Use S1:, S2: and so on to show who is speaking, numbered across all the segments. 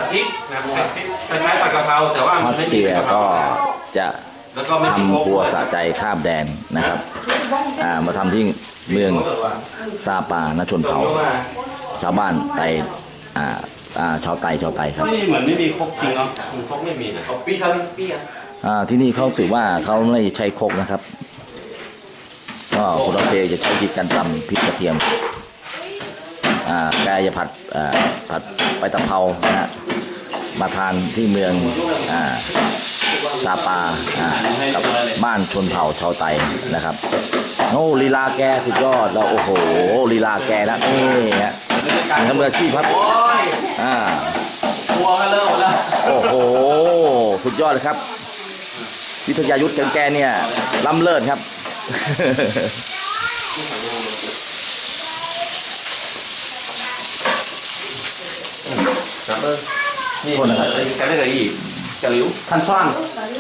S1: พริกนะคล้ายๆผัดกะเพราแต่ว่า
S2: ออสเตรียก็จะทำบัวสะใจข้ามแดนนะครับมาทำที่เมืองซาปาณชนเผ่าชาวบ้านไตชาวไตครับ
S1: นี่เหมือนไม่มีครกจริงเนาะครกไม่มีนะปีชาปี
S2: ที่นี่เขาถือว่าเขาไม่ใช้ครกนะครับก็คนออสเตรียจะใช้วิธีการตำพริกกระเทียมแกจะผัดไปตะเภานะฮะมาทานที่เมืองซาปากับบ้านชนเผ่าชาวไตนะครับโอ้ลีลาแกสุดยอดเราโอ้โหลีลาแกนะนี่ฮะทำมืออาชีพครับ
S1: ตัวกันเลยแล้ว
S2: โอ้โหสุดยอดเลยครับวิทยายุทธ์แกเนี่ยล้ำเลิศครับ
S1: นี่คนนะครับจะได้เลยอีกจะหลิวทันซ่อน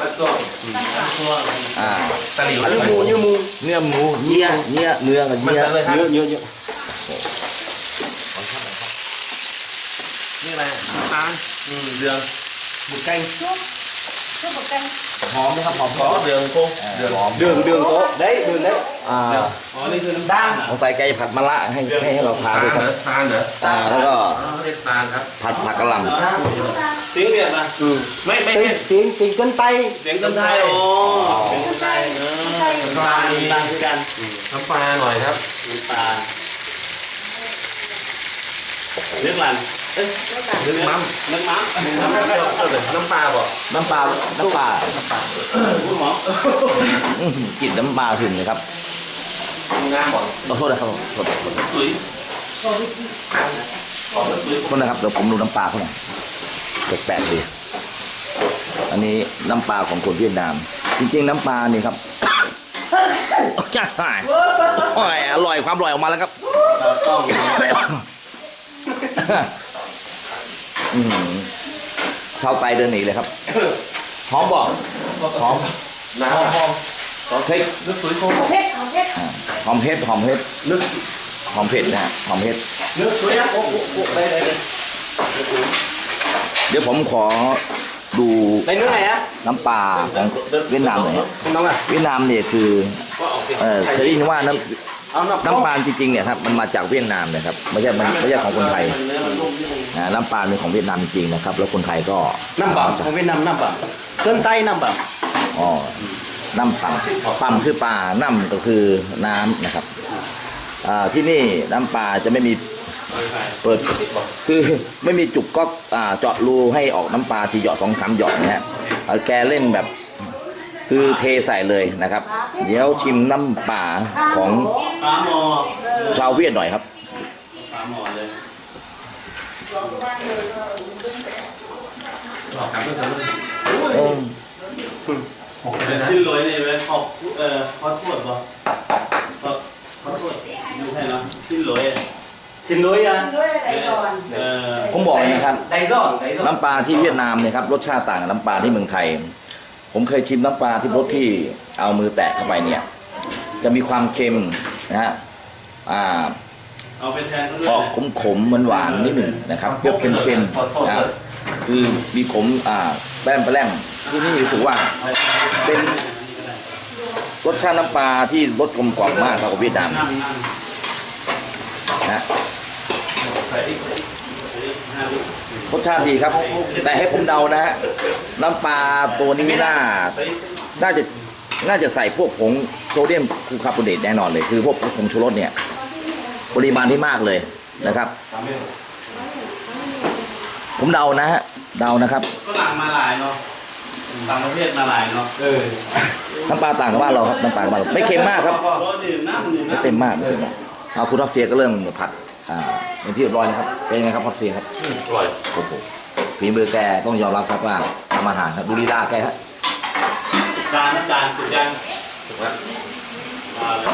S1: ตะหลิวเนื้อหมู
S2: เนื้อกับเนื้อ
S1: นี่อะไรตาลเดืองหมูแกงหอมนะครับหอมเดืองโค้งเดืองโต๊ะได้เดืองได้นี่คือน้ำตาล
S2: ของใส่ไก่ผัดมะระให้เราทานด้วยครับ
S1: ทานเหรอ
S2: แล้วก็
S1: ทานครับ
S2: ผัดผักกะหล่
S1: ำสิงเนี่ยนะไม่
S3: สิงจนไต
S1: เสียงจนไตโอ้เสียงจนไตน้ำปลาคือกันน้ำปลาหน่อยครับน้ำปลาเลือกลันเลือกม้ำน้ำปลาบ่
S2: น้ำปลา
S1: คุณหมอ
S2: กินน้ำปลาถึงเลยครับ
S1: งามบ่
S2: ขอโทษนะครับขอโทษนะครับเดี๋ยวผมดูน้ำปลาเขาหน่อยแปลกๆดีอันนี้น้ำปลาของคนเวียดนามจริงๆน้ำปลานี่ครับอร่อยความอร่อยออกมาแล้วครับเข้าไปเดินหนีเลยครับหอมบอกหอม
S1: น้ำหอม
S2: เผ็ด
S1: ลึกสุดหอม
S2: เผ็ดลึกหอมเผ็ดนะฮะหอมเผ็ด
S1: ลึกสุดโอ้ได้
S2: เดี๋ยวผมขอดูน้ำปลาของเวียดนามหน่อยเวียดนามเนี่ยคือเคยได้ยินว่าน้ำปลาจริงๆเนี่ยครับมันมาจากเวียดนามนะครับไม่ใช่ของคนไทยน้ำปลาเป็นของเวียดนามจริงนะครับแล้วคนไทยก็
S3: น้ำปลาของเวียดนามน้ำปลาต้นไต้น้ำปลา
S2: น้ำปั่มคือปลาน้ำก็คือน้ำนะครับที่นี่น้ำปลาจะไม่มีเปิดคือไม่มีจุกก๊อกเจาะรูให้ออกน้ำปลาทีหยอด2-3หยอดนะฮะแกเล่นแบบคือเทใส่เลยนะครับเดี๋ยวชิมน้ำปลาของชาวเวียดหน่อยครับ
S1: ชิ้นลอยนี่ไหมเขาทวดป่ะเขาทวดดูให้เนาะชิ้นลอย
S2: ผมบอกเลยนะครับน้ำปลาที่เวียดนามเนี่ยครับรสชาติต่างกับน้ำปลาที่เมืองไทยผมเคยชิมน้ำปลาที่รสที่เอามือแตะเข้าไปเนี่ยจะมีความเค็มนะฮะออกขมหวานนิดหนึ่งนะครับเปรี้ยวเค็มๆนะคือมีขมแป้มที่นี่รู้สึกว่าเป็นรสชาติน้ำปลาที่รสกลมกล่อมมากครับเวียดนามนะรสชาติดีครับแต่ให้ผมเดานะฮะน้ำปลาตัวนี้น่าจะใส่พวกผงโซเดียมคูคาร์บอเนตแน่นอนเลยคือพวกผงชูรสเนี่ยปริมาณที่มากเลยนะครับผมเดานะฮะนะครับ
S1: ก็ต่างมาหลายเนาะต่างประเทศมาหลายเนาะ
S2: น้ำปลาต่างกับบ้านเราครับน้ำปลาบ้านเราไม่เค็มมากครับไม่เต็มมากเอาคุณทัฟเซียก็เริ่มผัดเป็นที่เรียบร้อยนะครับเป็นยังไงครับทัฟเซียครับ
S1: อร่อย
S2: โอ้โหฝีมือแกต้องยอมรับครับว่าทำอาหารครับดูลีลาแกครับ
S1: จานสุดยังถูกไหมมาเลย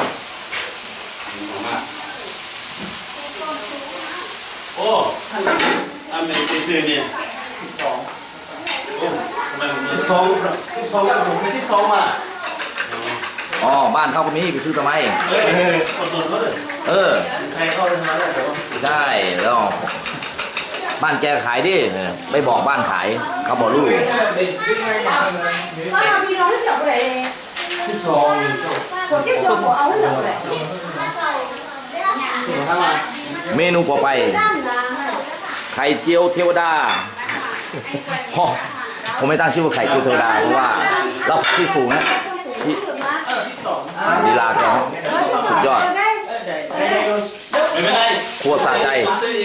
S1: โอ้ท่านเป็นซื้อเนี่ยทำไมผมที่ผมที่อ่ะ
S2: บ้านเขาคนนี้ไปซื้อทำไม
S1: อดทนเขาเลยใครเข้าไปทำอะไรแต่ว่า
S2: ใช่แล้วบ้านแกขายดิไม่บอกบ้านขายเขาบอกลูก
S4: Có nào đi nó hết lọc rồi. Của xếp cho của áo hết lọc rồi.
S2: เมนูต่อไป ไข่เจียวเทวดาฮะผมไม่ตั้งชื่อว่าไข่เจียวเทวดาเพราะว่าเราที่สูงนะที่ลีลาแกนะสุดยอดครัวสะใจ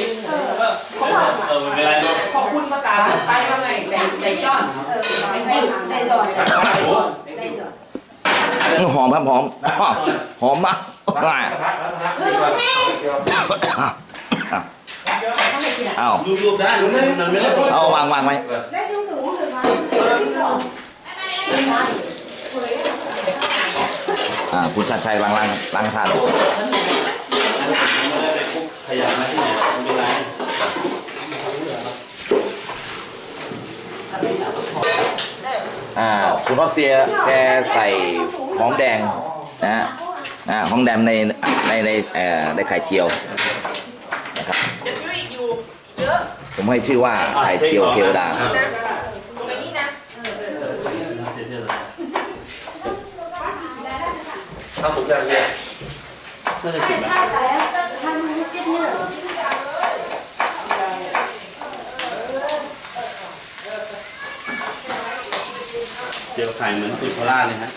S5: ขอบคุณประกาศไปว่าไงใจย้อน
S4: Đây rồi. Đây rồi.
S2: หอมครับหอมหอมมากเอาเอาวางไว้
S4: Đấy chúng tưởng không được mà.
S2: คุณชาติชัยวางล้างกระทะ
S3: ขยันมาที่ไหนไม่เป็นไร
S2: คุณรัสเซียแกใส่หอมแดงนะฮะหอมแดงในไข่เจียวนะครับผมให้ชื่อว่าไข่เจียวเทวดา
S1: ข้าวสุกยังเนี่ย
S3: น่าจะกินไหม เจียวไข่เหมือนสูตรโคราชเลยฮะ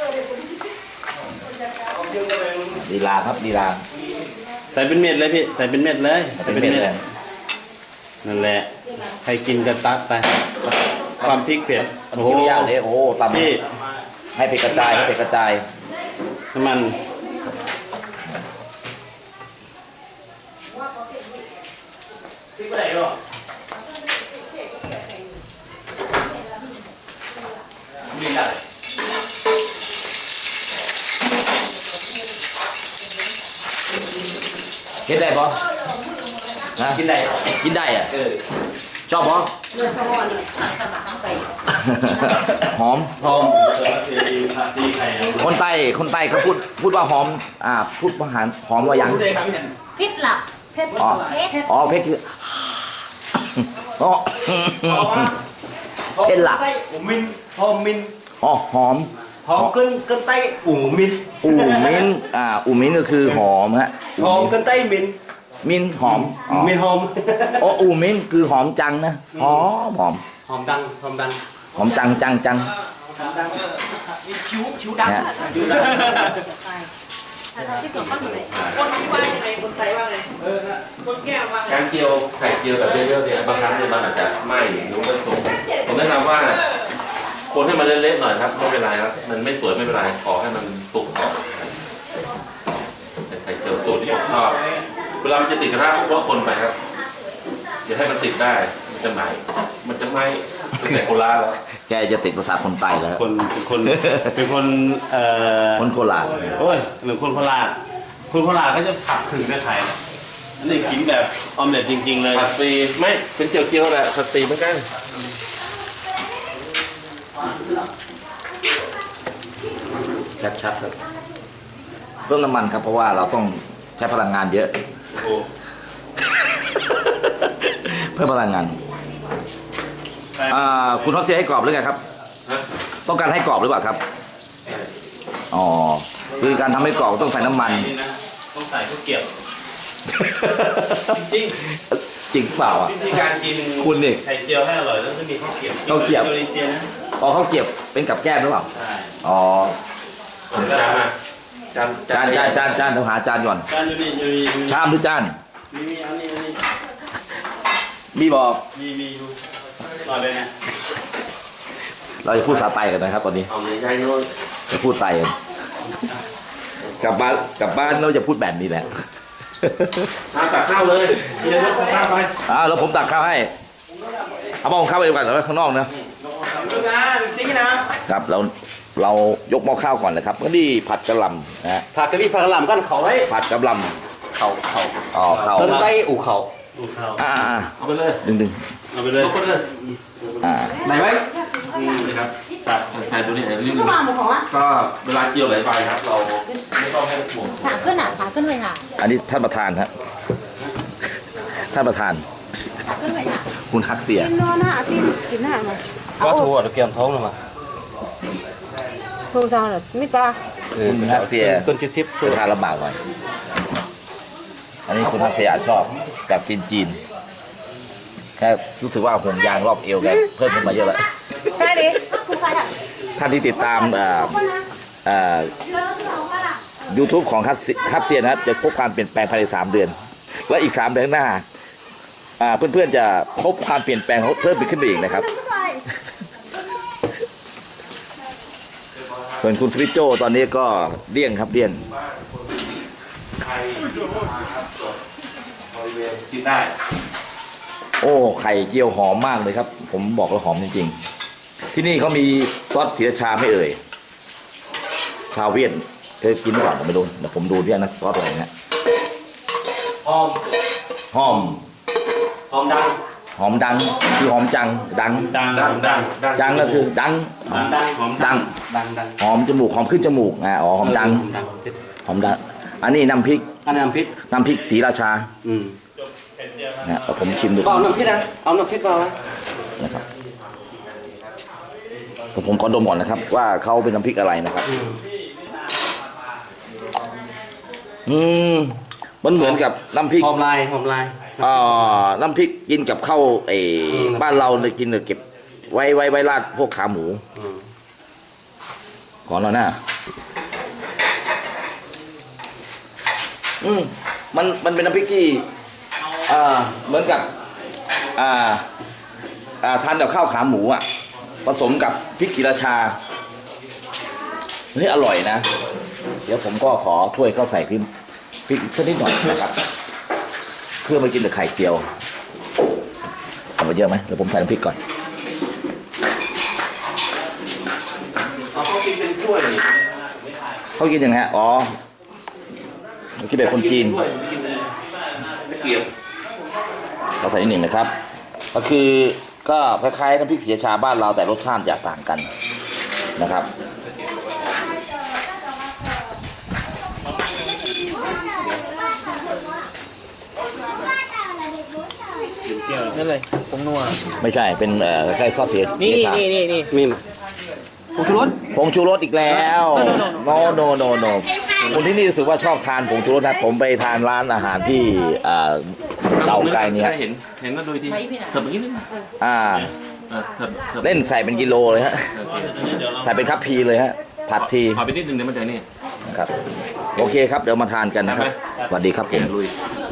S2: ลีลาครับลีลา
S3: ใส่เป็นเม็ดเลยพี่ใส่เป็นเม็ดเลย
S2: เป็นเม็ดเลย
S3: นั่นแหละใครกินก็ตักไปความพริกเผ็ด
S2: โอ้โหย่างเลยโอ้ตำ
S3: พี่
S2: ให้เผ็ดกระจายให้เผ็ดกระจาย
S3: น้ำมัน
S2: กินได้ปะนะกินได้อ่ะชอบปะ
S4: Rồi xong rồi.
S2: หอม
S3: หอมตีไข่
S2: คนใต้เขาพูดว่าหอมพูดว่าหอมว่ายัง
S3: พูดได้ครับเนี่ย
S5: พิษหลับ
S4: Hết.
S2: อ๋อ
S4: Hết.
S2: อ๋อเพชรคืออ๋อเพชรหลัก
S3: อูมินหอมมิน
S2: อ๋อหอม
S3: หอมเกินไตอูมิน
S2: อูมิ้นอูมิ้นก็คือหอมฮะ
S3: หอมเกินไตมิน
S2: มิ้นหอมอ๋อ
S3: มินหอม
S2: อ๋ออูมิ้นคือหอมจังนะหอม
S3: หอมดัง
S2: หอมจังเนี่ย
S5: ที่ตัวข้างไหนคนว่ายังไงคนไทยว่าไงคนแก้วว่าไง
S1: การเจียวไข่เจียวแบบเยอะๆเนี่ยบางครั้งเนี่ยมันอาจจะไหม้หรือไม่สุกผมแนะนำว่าคนให้มันเละๆหน่อยครับไม่เป็นไรครับมันไม่สวยไม่เป็นไรขอให้มันสุกก่อนไข่เจียวสูตรที่ผมชอบเวลามันจะติดกระทะผมก็คนไปครับอย่าให้มันติดได้มันจะไหม้เป็นแต่โคราชแล้ว
S2: แกจะติดภาษาคนใต้แล้ว
S3: คนเป็นคน
S2: คนโคราช
S3: โอ้ยหรือคนโคราชคนโคราชเขาจะผักถึงในไทยอันนี้กินแบบออมเล็ตจริงๆเลย
S1: ผัดฟรีไม่เป็นเจียวๆแหละผัดฟรีเหมือนกัน
S2: ชัดๆครับเพิ่มน้ำมันครับเพราะว่าเราต้องใช้พลังงานเยอะ
S3: โอ้
S2: เพิ่มพลังงานคุณทอสเซียให้กรอบหรือไงครับ
S1: นะ
S2: ต้องการให้กรอบหรือเปล่าครับอ๋อคือการทำให้กรอบต้องใส่น้ำมัน
S3: ต้องใส่ข้าวเกรี๊ยวจริง
S2: จริงเปล่าอ่ะ
S3: วิธีการกิน
S2: คุณนี่
S3: ไข่เจียวให้อร่อยต้องมีข้าวเกรี๊ยว
S2: ข้าวเกรี๊ยว
S3: อินโดนีเซียนะ
S2: อ๋อเขาเก็บเป็นกับแก้มหรือเปล่า
S3: ใช่
S2: อ๋อ
S1: จานมาจาน
S2: จานต้องหาจานก่อน
S3: จานอยู่นี่อยู่
S2: ชามหรือจาน
S3: มีอันนี้
S2: มีบอก
S3: มีอยู่อร่อยเลยนะ
S2: เราจะพูดภาษาไทยกันนะครับตอนนี้
S1: เอาใหญ่ๆโน่น
S2: จะพูดไทยกันกลับบ้านเราจะพูดแบบนี้แหละ
S1: ตักข้าวเลยกินแล้วตักข้าวไป
S2: แล้วผมตักข้าวให้เอาหม้อข้าวไปก่อนแล้วข้างนอกนะ
S3: จริงนะครับ
S2: เรายกหม้อข้าวก่อนนะครับก็นี่ผัดกะหล่ำนะฮะ
S3: ผักกะหรี่ผักกะหล่ำกันเขาไว้
S2: ผัดกะหล่
S3: เขา
S2: ำอ๋อข้าว
S3: ต้นไต้อู่เขา
S1: เอาไปเลย
S2: ดึง
S3: เอาไปเลย
S1: ยกไปเลย
S3: ไหนไว้
S1: นี่ครับตักใส่ตัวนี้ไอ้เรื่อง
S4: Sao mà một hả?
S1: ก็เวลาเกี่ยวไหลไปครับ เราไม่ต้องให้ห่วง
S5: ขาขึ้นอ่ะขาขึ้นเลยค่ะ
S2: อันนี้ท่านประธานฮะท่านประธาน
S5: ขาขึ้นเลยค่ะ
S2: คุณฮักเสีย
S4: กินนอนหน้าที่กินหน้ามา
S1: ก็ถั่วเกี่ยมท้องเลยมา
S4: โทรศัพท์เหรอไม่ปลา
S2: คุณฮักเสีย
S1: เกิน70
S2: จะทานลำบากหน่อยอันนี้คุณฮักเสียอาจชอบแบบจีนๆแค่รู้สึกว่าห่วงยางรอบเอวแกเพิ่มขึ้นมาเยอะแล้ว
S4: ใช่ดิ
S2: ท่านที่ติดตามYouTube ของฮับเซียนะครับจะพบความเปลี่ยนแปลงภายใน3 เดือน และอีก3 เดือนข้างหน้าเพื่อนๆจะพบความเปลี่ยนแปลงเพิ่มขึ้นไปอีกนะครับส่วนคุณสวิตโจตอนนี้ก็เลี่ยงครับเลี่ยง
S3: กินได้
S2: โอ้ไข่เจียวหอมมากเลยครับ ผมบอกว่าหอมจริงๆที่นี่เขามีซอสศรีราชาไม่เอ่ยชาวเวียดเคยกินก่อนผมไม่รู้เดี๋ยวผมดูที่นะซอสอะไรนะ
S3: หอม
S2: หอม
S3: หอมดัง
S2: หอมดังคือหอมจังดัง จังก็คือดัง
S3: หอมดังหอม
S2: ดัง
S1: ดัง
S2: หอมจมูกหอมขึ้นจมูกอ๋อหอมดังหอมดังอันนี้น้ำพริก
S1: อันนี้น้ำพริก
S2: ศรีราชา
S1: อืม
S2: นะผมชิมดู
S1: เอาน้ำพริกนะเอาน้ำพริกมาไหม
S2: นะครับผมขอดมก่อนนะครับ ว่าเขาเป็นน้ำพริกอะไรนะครับมันเหมือนกับน้ำพริก
S1: หอมลาย
S2: น้ำพริกกินกับข้าวบ้านเราเลยกินเลยเก็บไว้ราดพวกขาหมู ขอหน่อยนะมันเป็นน้ำพริกที่เหมือนกับทานกับข้าวขาหมูผสมกับพริกศรีราชาเฮ้ยอร่อยนะเดี๋ยวผมก็ขอถ้วยเข้าใส่พริกสักนิดหน่อยนะครับเพื่อมากินกับไข่เจียวเอาไปเยอะไหมเดี๋ยวผมใส่น้ำพริกก่อน
S3: เขากินเป็นถ้วย
S2: เขากินยังไงฮะอ๋อเขากินแบบคนจีน
S3: ถ้วยกินเลยไม่เกี่ยว
S2: เราใส่นิดหนึ่งนะครับ ก็คือก็คล้ายๆน้ำพริกศรีราชาบ้านเราแต่รสชาติจะต่างกันนะครับ
S1: นั่นเลยผงนัว
S2: ไม่ใช่เป็นคล้ายๆซอสศรีราชา
S1: นี่มีผงชูรส
S2: ผงชูรสอีกแล้วโนคนที่นี่รู้สึกว่าชอบทานผงชูรสนะผมไปทานร้านอาหารที่เตาไก่เนี่ย
S3: เห็นก็ดูทีเถิบนิดนึง เถิบ
S2: เล่นใส่เป็นกิโลเลยฮะ
S3: โอเคเดี๋ยวเรา
S2: ใส่เป็นคัพพีเลยฮะผัดที
S3: ขอไปนิดนึงเดี๋ยวมันจะนี่
S2: นะครับโอเคครับเดี๋ยวมาทานกันนะครับสวัสดีครับผม
S3: ลุย